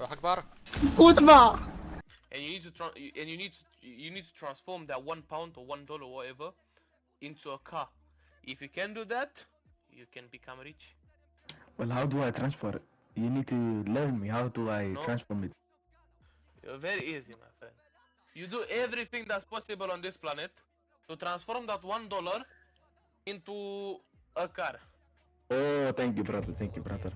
Akbar. Kurwa! And you need to transform that £1 or $1 whatever into a car. If you can do that, you can become rich. Well, how do I transfer it? You need to learn me. How do I No. transform it? Very easy, my friend. You do everything that's possible on this planet to transform that $1 into a car. Oh, thank you, brother. Thank you, brother.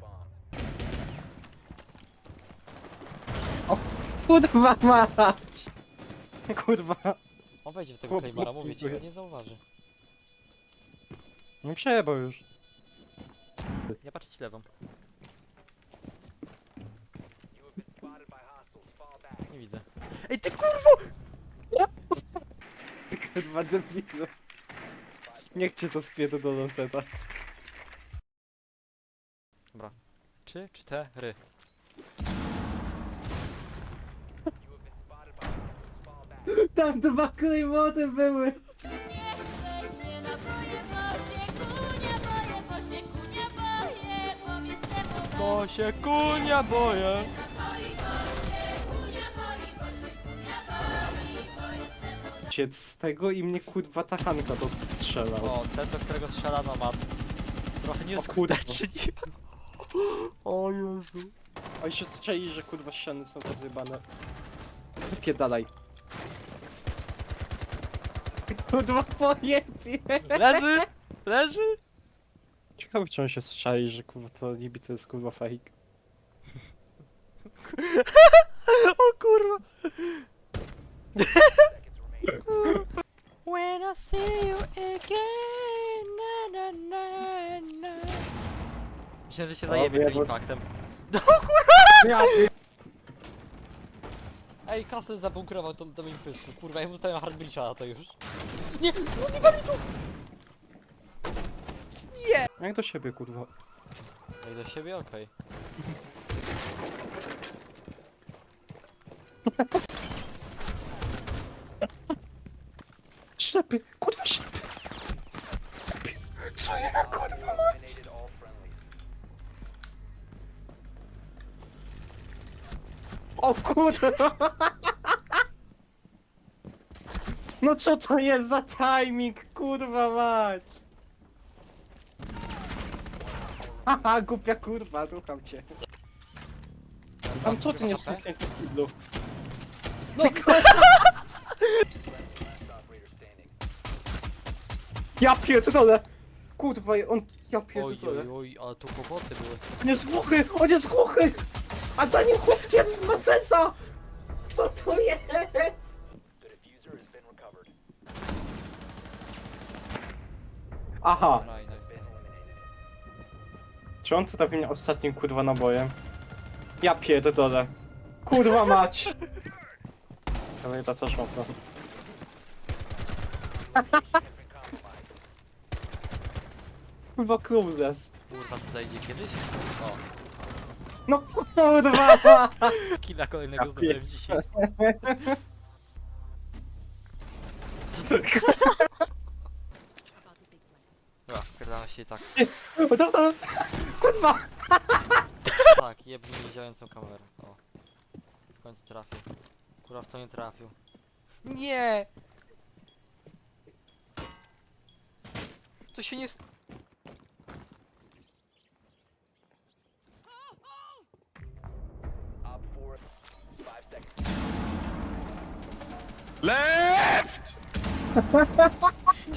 Kurwa mać! Kurwa. On wejdzie w tego Chłop, Claymara, chłop, mówię ci, chłop. on nie zauważy. Nie przejebał już. Ja patrzę ci lewą. Nie widzę. Ej, ty kurwo! Ty kurwa debilu. Niech cię to spierdolą teraz. Dobra. 3, 4. Tam dwa klejmoty były! Nie naboje, nie boję, nie boję, powiedz temu, Bo się kunia boję. Ciec z tego i mnie kurwa ta Hanka dostrzelał. O, ten do którego strzelano ma trochę kurwa. nieskutecznie. O Jezu. Oj się strzeli, że kurwa ściany są rozjebane. Wypierdalaj. Kurwa pojebie! Leży! Leży! Ciekawe czy on się strzeli, że kurwa to niby to jest kurwa fake. O kurwa. When I see you again, na na na na. Myślałem, że się zajebie ja tym bo- impaktem. Ja Ej, Kasy zabunkrował tą im pysku. Kurwa, ja mu stawiam hardbreacha na to już. Jak do siebie kurwa. No i do siebie, okej. Ślepy! Kurwa ślepy! Co ja kurwa mać? O kurwa! No co to jest za timing, kurwa mać? Haha, głupia kurwa, rucham cię. Tam co ty nie stuknie w kiblu? No ja pierdolę! Kurwa, on... Ja Oj, pierdolę. oj, oj, ale tu kłopoty były. On jest głuchy! On jest głuchy! A za nim chłopciem ma sesa! Co to jest? Aha, No i nice. czy on tu trafi mnie ostatnim kurwa nabojem? Ja pierdolę. Kurwa mać! Ale ta co szmokno. Kurwa clueless. Kurwa, to zajdzie kiedyś? O, No kurwa! skilla kolejnego Ja zdobyłem dzisiaj. Dobra, wpierdala się i tak. To... Kurwa! Tak, jebnij mi działającą kamerę. O. W końcu trafił. Kurwa, w to nie trafił. Nie! To się nie... Left!